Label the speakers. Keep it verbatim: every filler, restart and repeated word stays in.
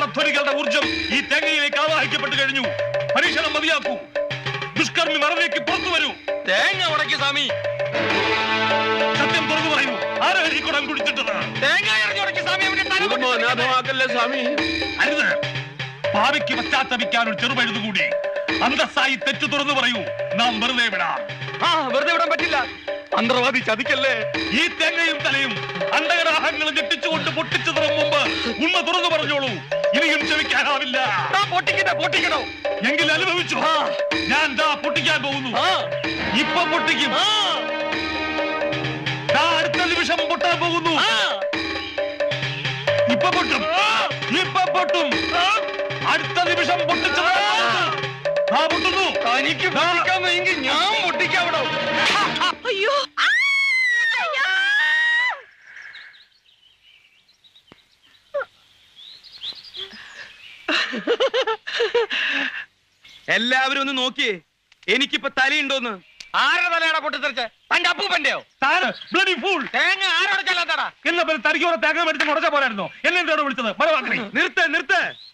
Speaker 1: മന്ത്രധ്വനികളുടെ ഊർജം ഈ തേങ്ങയിലേക്ക് ആവാഹിക്കപ്പെട്ടു കഴിഞ്ഞു. പരീക്ഷണം മതിയാക്കൂ. ദുഷ്കർമ്മി മറവിലേക്ക് പുറത്തു വരൂ.
Speaker 2: തേങ്ങ ഉടക്കി സ്വാമി.
Speaker 1: സത്യം തുറന്നു പറയൂ. ആരാ ഈ കുടം കുടിച്ചിട്ടത്?
Speaker 2: തേങ്ങ ഉടക്കി സ്വാമി.
Speaker 3: സ്വാമി
Speaker 1: അരുത്. ഭാവിക്ക് പശ്ചാത്തപിക്കാൻ ഒരു ചെറുപഴുതുകൂടി. അന്തസ്സായി തെറ്റു തുറന്നു പറയൂ. നാം വെറുതെ വിടാം.
Speaker 2: ആ വെറുതെ വിടാൻ പറ്റില്ല. മന്ത്രവാദി ചതിക്കല്ലേ.
Speaker 1: ഈ തേങ്ങയും തലയും അണ്ടകടാഹങ്ങളും ഞെട്ടിച്ചുകൊണ്ട് പൊട്ടിച്ചു തുറന്നു മുമ്പ് ഉണ്മ തുറന്നു പറഞ്ഞോളൂ. ഇനിയും ക്ഷമിക്കാനാവില്ല.
Speaker 2: പൊട്ടിക്കട്ടെ, പൊട്ടിക്കണോ?
Speaker 1: എങ്കിൽ അനുഭവിച്ചു. ഞാൻ ദാ പൊട്ടിക്കാൻ പോകുന്നു. ഇപ്പൊ പൊട്ടിക്കും. അടുത്ത നിമിഷം പൊട്ടാൻ പോകുന്നു. ഇപ്പൊ പൊട്ടും. ഇപ്പൊ പൊട്ടും. അടുത്ത നിമിഷം പൊട്ടിച്ചു പൊട്ടുന്നു.
Speaker 2: തനിക്ക് പൊട്ടിക്കാമെങ്കിൽ ഞാൻ പൊട്ടിക്കാവിടോ.
Speaker 4: അയ്യോ
Speaker 2: എല്ലാവരും ഒന്ന് നോക്കിയേ. എനിക്കിപ്പോ തലയുണ്ടോന്ന്. ആരുടെ തലയാടാ പൊട്ടിത്തെറിച്ച്? തന്റെ അപ്പൂപ്പന്റെയോ? തേങ്ങ ആരോടെ ചെല്ലാത്താടാ?
Speaker 1: എന്നാ തനിക്ക് തേങ്ങ മേടിച്ച് മുടച്ച പോരായിരുന്നോ? എന്നെ വിളിച്ചത്?
Speaker 2: നിർത്ത് നിർത്ത്.